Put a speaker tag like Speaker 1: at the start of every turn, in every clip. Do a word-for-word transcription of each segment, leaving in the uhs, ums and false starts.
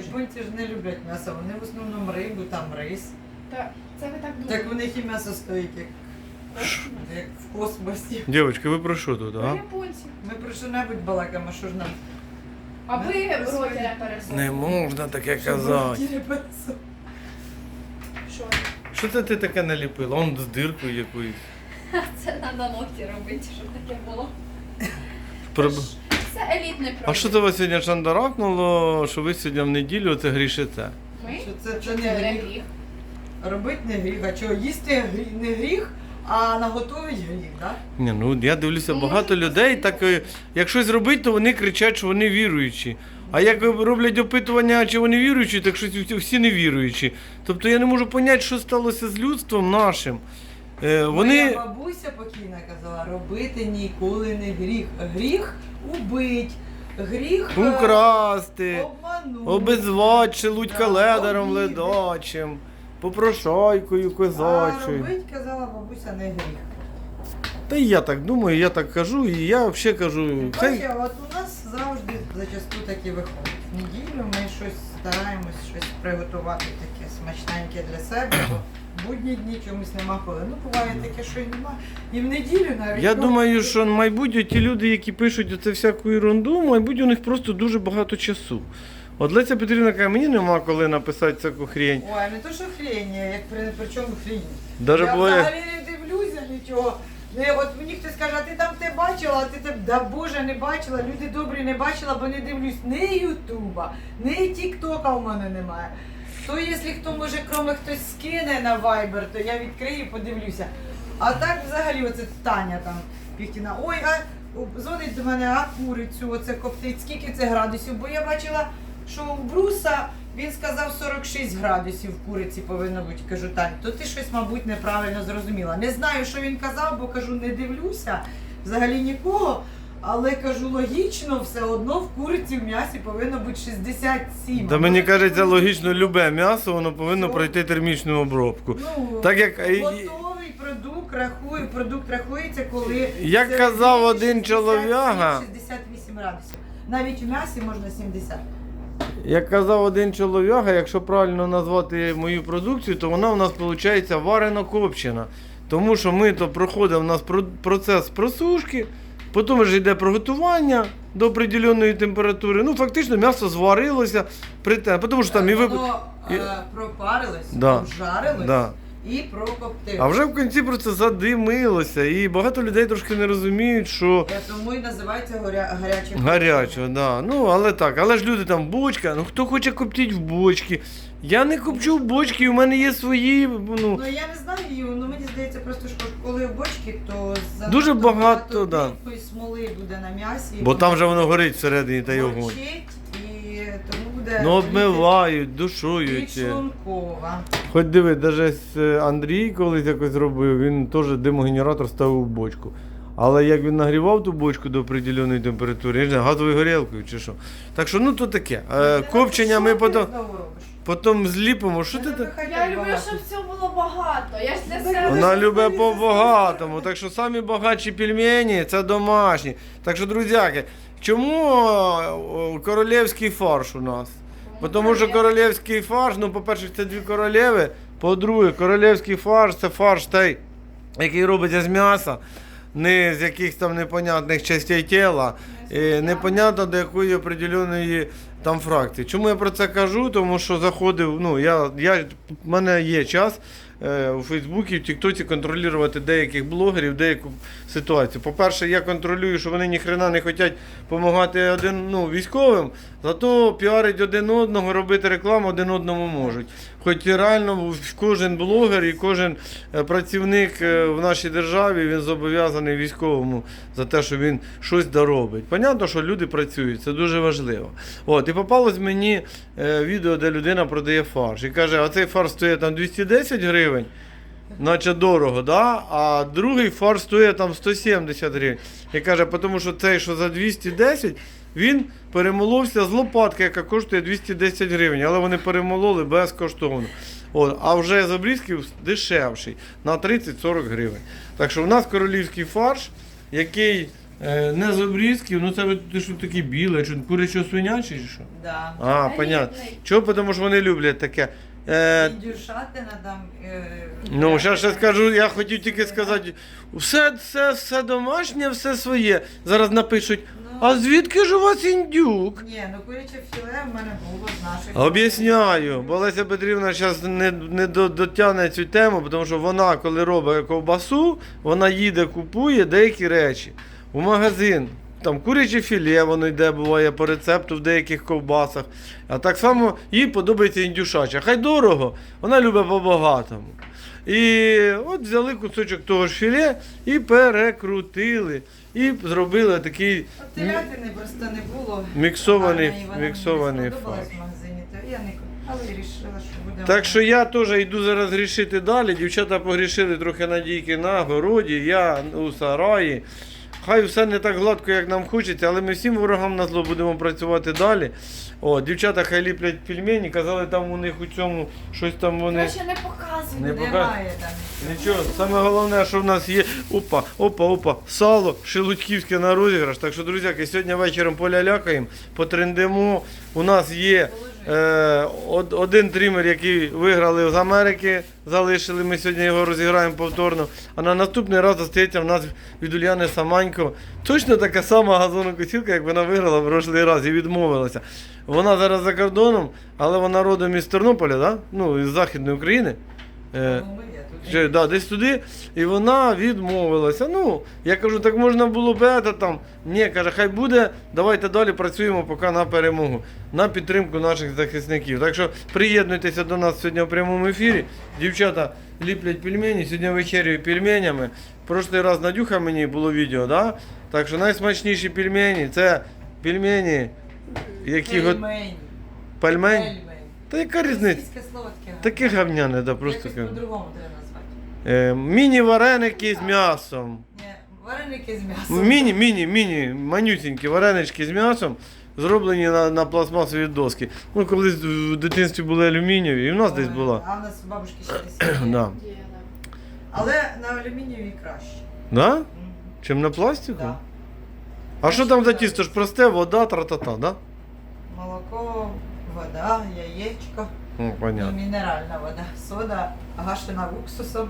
Speaker 1: Японці ж не люблять м'ясо, вони в основному рибу, там рис.
Speaker 2: Та це ви так
Speaker 1: Так
Speaker 2: думаєте.
Speaker 1: в них і м'ясо стоїть, як, як в космосі.
Speaker 3: Дівчатки, ви про що тут,
Speaker 2: Ви
Speaker 3: а?
Speaker 2: японці.
Speaker 1: Ми про що-небудь балакаємо, що ж нам.
Speaker 2: А ви
Speaker 1: Ми про
Speaker 2: роті
Speaker 1: свої.
Speaker 2: не пересохли.
Speaker 3: Не можна таке
Speaker 1: Що
Speaker 3: казати.
Speaker 1: ми не пересо-
Speaker 2: Що?
Speaker 3: Що це ти таке наліпила? Он з диркою якоюсь.
Speaker 2: Це треба ногті робити, щоб таке було.
Speaker 3: Про-
Speaker 2: Це елітний продукт.
Speaker 3: А що це вас сьогодні шандарахнуло, що ви сьогодні в неділю це грішите?
Speaker 2: Ми?
Speaker 1: Що це, це
Speaker 2: Це
Speaker 1: не гріх.
Speaker 2: гріх.
Speaker 1: Робити не гріх, а чого їсти грі- не гріх, а наготовить гріх, так?
Speaker 3: Ні, ну я дивлюся,
Speaker 2: Ну,
Speaker 3: багато
Speaker 2: може,
Speaker 3: людей
Speaker 2: це
Speaker 3: так, е, як щось робить, то вони кричать, що вони віруючі. А як роблять опитування, чи вони віруючі, так щось всі- всі не віруючі. Тобто я не можу зрозуміти, що сталося з людством нашим. Е,
Speaker 1: Моя
Speaker 3: Вони.
Speaker 1: бабуся покійна казала, робити ніколи не гріх. Гріх убить, гріх е,
Speaker 3: Украсти,
Speaker 1: обманути.
Speaker 3: обезвати, шелудь
Speaker 1: Да,
Speaker 3: каледаром
Speaker 1: обідати.
Speaker 3: ледачим, попрошайкою
Speaker 1: А
Speaker 3: козачою.
Speaker 1: робить, казала бабуся, не гріх.
Speaker 3: Та і я так думаю, я так кажу, і я взагалі кажу, це
Speaker 1: Бачиш, от у нас завжди зачасту таки виходить. В неділю ми щось стараємось щось приготувати таке смачненьке для себе, бо в будні дні чомусь нема коли. Ну, буває таке, що й нема. І в неділю навіть.
Speaker 3: я
Speaker 1: ну,
Speaker 3: думаю, що мабуть ті люди, які пишуть оце всяку ерунду, мабуть, у них просто дуже багато часу. От Леся Петрівна каже, мені нема коли написати таку хрень.
Speaker 1: Ой, не то, що хрень, як при, при чому хрень.
Speaker 3: Даже
Speaker 1: Я
Speaker 3: буває-
Speaker 1: взагалі не дивлюся нічого. Не, от мені хтось каже, а ти там те бачила, а ти те, да Боже, не бачила, люди добрі не бачила, бо не дивлюсь ні Ютуба, ні Тіктока у мене немає. То якщо хто може, кроме хтось скине на Viber, то я відкрию і подивлюся. А так взагалі оце Таня там Піхтіна, ой, а о, дзвонить до мене, а курицю оце коптить, скільки це градусів? Бо я бачила, що у Бруса він сказав сорок шість градусів в куриці повинно бути. Кажу, Тань, то ти щось, мабуть, неправильно зрозуміла. Не знаю, що він казав, бо кажу, не дивлюся взагалі нікого. Але кажу, логічно, все одно в куриці в м'ясі повинно бути шістдесят сім.
Speaker 3: Та мені кажеться, логічно, любе м'ясо, воно повинно
Speaker 1: Що?
Speaker 3: пройти термічну обробку.
Speaker 1: Ну,
Speaker 3: Так як-
Speaker 1: готовий продукт рахує, продукт рахується, коли
Speaker 3: Як
Speaker 1: це
Speaker 3: казав
Speaker 1: шістдесят
Speaker 3: один
Speaker 1: сім,
Speaker 3: чолов'яга-
Speaker 1: шістдесят вісім градусів. Навіть в м'ясі можна сімдесят.
Speaker 3: Як казав один чолов'яга, якщо правильно назвати мою продукцію, то вона у нас виходить варено-копчена. Тому що ми то проходить у нас про- процес просушки, потім вже йде приготування до определеної температури. Ну, фактично м'ясо зварилося при те, тому що там і ви.
Speaker 1: Воно
Speaker 3: і-
Speaker 1: е, пропарилось,
Speaker 3: Да.
Speaker 1: обжарилось
Speaker 3: Да.
Speaker 1: і прокоптилось.
Speaker 3: А вже в кінці просто задимилося. І багато людей трошки не розуміють, що
Speaker 1: Е, Тому і називається горя... гаряче.
Speaker 3: гаряче, да. Ну, але так, але ж люди там бочка, ну хто хоче коптіть в бочки. Я не копчу в бочки, у мене є свої. Ну,
Speaker 1: Ну я не знаю, Ю, ну мені здається, просто що коли в бочці, то занадто
Speaker 3: Дуже багато, да.
Speaker 1: диму і смоли буде на м'ясі.
Speaker 3: бо там вже воно горить всередині та й огонь.
Speaker 1: горчить, і тому буде
Speaker 3: Ну, обмивають, душують.
Speaker 1: підшлункова.
Speaker 3: Хоч диви, навіть Андрій колись якось зробив, він теж димогенератор ставив в бочку. Але як він нагрівав ту бочку до определеної температури, я не знаю, газовою горілкою чи що. Так що, ну то таке. Е, копчення ми потім, потім зліпимо. Що ти так?
Speaker 2: Я люблю, щоб все було багато. Я ж для себе.
Speaker 3: Вона любить по-багатому. Так що самі багатші пельмені це домашні. Так що, друзяки, чому о, королівський фарш у нас? Бо Тому що королівський фарш, ну, по-перше, це дві королеви. По-друге, королівський фарш це фарш той, який робиться з м'яса, не з якихось там непонятних частей тіла, і непонятно до якої определеної там фракції. Чому я про це кажу? Тому що заходив, ну, я, я, в мене є час е, у Фейсбуці, в Тіктоці контролювати деяких блогерів, деяку ситуацію. По-перше, я контролюю, що вони ніхрена не хочуть допомагати один, ну, військовим, зато піарить один одного, робити рекламу один одному можуть. Хоч і реально кожен блогер і кожен е, працівник е, в нашій державі, він зобов'язаний військовому за те, що він щось доробить. Понятно, що люди працюють, це дуже важливо. От, і попалось мені е, відео, де людина продає фарш. І каже, а цей фарш стоїть там двісті десять гривень, наче дорого, да? А другий фарш стоїть там сто сімдесят гривень. І каже, тому що цей, що за двісті десять, він перемоловся з лопатки, яка коштує двісті десять гривень, але вони перемололи безкоштовно. От, а вже з обрізків дешевший, на тридцять-сорок гривень. Так що у нас королівський фарш, який Е, не з обрізків, ну це ви- ти що такі біле, що курячо свинячі чи що?
Speaker 1: Да.
Speaker 3: А,
Speaker 2: Елітний.
Speaker 3: понятно. Чого? Тому що вони люблять таке. Е,
Speaker 1: Індюшатина там. Е,
Speaker 3: ну, зараз ще скажу, я хотів тільки сказати, все, все, все домашнє, все своє. Зараз напишуть,
Speaker 1: Ну.
Speaker 3: а звідки ж у вас індюк?
Speaker 1: Ні, ну куряче філе в мене було з наших.
Speaker 3: Об'ясняю, бо Леся Петрівна зараз не, не до- дотягне цю тему, тому що вона, коли робить ковбасу, вона їде, купує деякі речі у магазин. Там куряче філе, воно йде, буває по рецепту в деяких ковбасах. А так само їй подобається індюшача. Хай дорого, вона любить по-багатому. І от взяли кусочок того ж філе і перекрутили. І зробили такий
Speaker 1: От телятини просто не було.
Speaker 3: міксований,
Speaker 1: гарної, вона мені
Speaker 3: міксований
Speaker 1: сподобалась
Speaker 3: фарш.
Speaker 1: в магазині, то я не купила, але вирішила, що буде.
Speaker 3: Так що я теж йду зараз грішити далі. Дівчата погрішили трохи надійки на городі, я у сараї. Хай все не так гладко, як нам хочеться, але ми всім ворогам на зло будемо працювати далі. О, дівчата хай ліплять пельмені, казали, там у них у цьому щось там вони.
Speaker 2: Краще не показуй.
Speaker 3: Не
Speaker 1: Немає там.
Speaker 3: Нічого, саме головне, що в нас є опа, опа, опа, сало шелудьківське на розіграш. Так що, друзяки, сьогодні вечором полялякаємо, потрендимо. У нас є е, од- один тример, який виграли з Америки, залишили. Ми сьогодні його розіграємо повторно. А на наступний раз застається в нас від Уляни Саманько точно така сама газонокосілка, як вона виграла в прошлий раз і відмовилася. Вона зараз за кордоном, але вона родом із Тернополя, да? Ну, із Західної України. Е,
Speaker 1: Ну, я тут
Speaker 3: Ще, да, десь туди, і вона відмовилася. Ну, я кажу, так можна було б это там. Ні, каже, хай буде, давайте далі працюємо поки на перемогу, на підтримку наших захисників. Так що приєднуйтеся до нас сьогодні в прямому ефірі. Дівчата ліплять пельмені, сьогодні вечерюю пельменями. Прошлий раз Надюха мені було відео, да? Так що найсмачніші пельмені це пельмені, які го...
Speaker 1: Пельмень.
Speaker 3: пельмень.
Speaker 1: Пельмень.
Speaker 3: Та яка різниця?
Speaker 1: Російське слово таке.
Speaker 3: Таке гавняне, да, просто.
Speaker 1: Якось по-другому треба назвати.
Speaker 3: Е, міні-вареники з м'ясом.
Speaker 1: Ні, вареники з м'ясом.
Speaker 3: Міні, міні, міні, манюсінькі варенички з м'ясом, зроблені на, на пластмасові доски. Ну, колись в дитинстві були алюмінієві, і в нас десь була.
Speaker 1: А в нас у бабушки ще десь. є.
Speaker 3: Да.
Speaker 2: Є, да.
Speaker 1: Але на алюмінієві краще.
Speaker 3: Да?
Speaker 1: Мгм.
Speaker 3: Чим на пластику?
Speaker 1: Да.
Speaker 3: А що там за тісто? Ж просте, вода, тра-та-та, да?
Speaker 1: Молоко, вода, яєчко,
Speaker 3: Ну,
Speaker 1: і
Speaker 3: понятно.
Speaker 1: мінеральна вода, сода, гашена уксусом.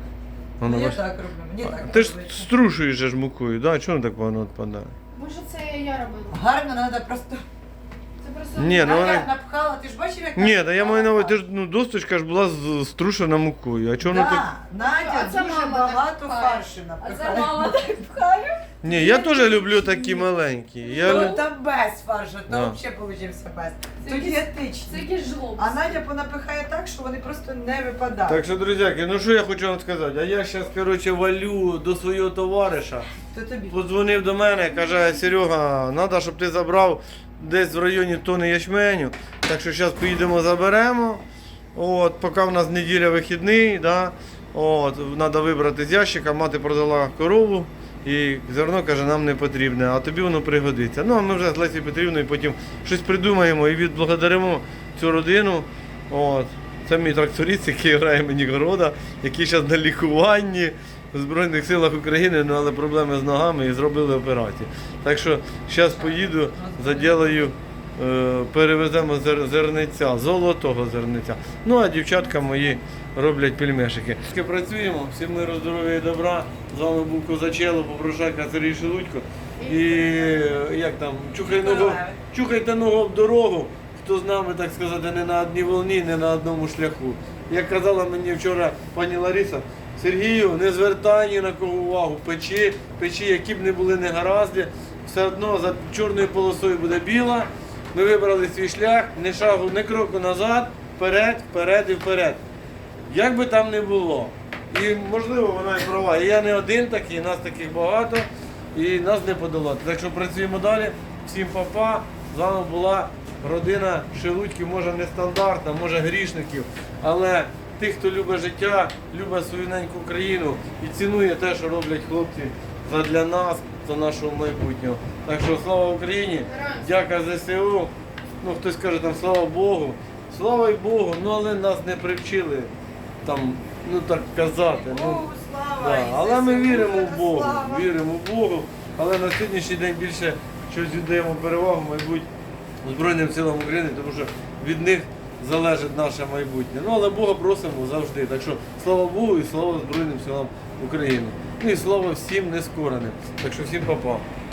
Speaker 3: Воно
Speaker 1: Ну, я
Speaker 3: ваш-
Speaker 1: так роблю, мені так
Speaker 3: Ти ж
Speaker 1: подобається.
Speaker 3: струшуєш же ж мукою, да? Чому так воно відпадає?
Speaker 2: Може це я робила.
Speaker 1: Гарно треба просто.
Speaker 2: Це просто
Speaker 3: Ні, ну
Speaker 1: а
Speaker 3: вона-
Speaker 1: я напхала, ти ж бачив, як
Speaker 3: Ні, та я маю на увазі, ти
Speaker 1: напхала?
Speaker 3: ж, ну, досточка ж була з- струшена мукою. А чому воно так?
Speaker 1: Да, Надя
Speaker 2: А це
Speaker 1: дуже
Speaker 2: мама
Speaker 1: багато
Speaker 2: так пхає.
Speaker 1: фаршу
Speaker 2: А це
Speaker 1: напихає.
Speaker 2: мама так пхає.
Speaker 3: Ні, я теж люблю такі маленькі. Я...
Speaker 1: Ну,
Speaker 3: лю-
Speaker 1: там без фаршу,
Speaker 3: Да.
Speaker 1: там взагалі получився без.
Speaker 2: Це
Speaker 1: Тут
Speaker 2: якийсь- Це
Speaker 1: дієтичний.
Speaker 2: якийсь жлоб.
Speaker 1: А Надя понапихає так, що вони просто не випадають.
Speaker 3: Так що, друзяки, ну що я хочу вам сказати? А я зараз, коротше, валю до свого товариша.
Speaker 1: То тобі.
Speaker 3: Подзвонив до мене, каже, Серега, треба, щоб ти забрав десь в районі тони ячменю. Так що зараз поїдемо, заберемо. От, поки в нас неділя вихідний, да? От, треба вибрати з ящика, мати продала корову. І зерно, каже, нам не потрібне, а тобі воно пригодиться. Ну, а ми вже з Лесією Петрівною потім щось придумаємо і відблагодаримо цю родину. От. Це мій тракторист, який грає мені города, який зараз на лікуванні в Збройних силах України, ну, але проблеми з ногами і зробили операцію. Так що зараз поїду, заділаю, е, перевеземо зер- зерниця, золотого зерниця. Ну а дівчатка мої роблять пельмешики. Працюємо, всім миру, здоров'я і добра. З вами був Козачело, Попрошайка, Сергій Шелудько. І е, як там, чухай ногу, чухайте ногу об дорогу. Хто з нами, так сказати, не на одній волні, не на одному шляху. Як казала мені вчора пані Лариса, Сергію, не звертай ні на кого увагу, печи, печи, які б не були негаразди, все одно за чорною полосою буде біла. Ми вибрали свій шлях, ні шагу, ні кроку назад, вперед, вперед і вперед. Як би там не було. І можливо вона і права. І я не один такий, нас таких багато, і нас не подолати. Так що працюємо далі. Всім па-па. З вами була родина Шелудьків, може не стандартна, може грішників, але тих, хто любить життя, любить свою неньку країну і цінує те, що роблять хлопці задля нас, за нашого майбутнього. Так що слава Україні, дяка ЗСУ. Ну хтось каже там слава Богу. Слава й Богу, ну але нас не привчили там, ну так казати. Ну,
Speaker 1: Богу слава!
Speaker 3: да.
Speaker 1: і
Speaker 3: Але ми
Speaker 1: ЗСУ
Speaker 3: віримо в
Speaker 1: слава!
Speaker 3: Бога, віримо в Богу. Але на сьогоднішній день більше щось віддаємо перевагу, мабуть, Збройним силам України, тому що від них залежить наше майбутнє. Ну, але Бога просимо завжди. Так що слава Богу і слава Збройним силам України. Ну і слава всім нескореним. Так що всім па-па.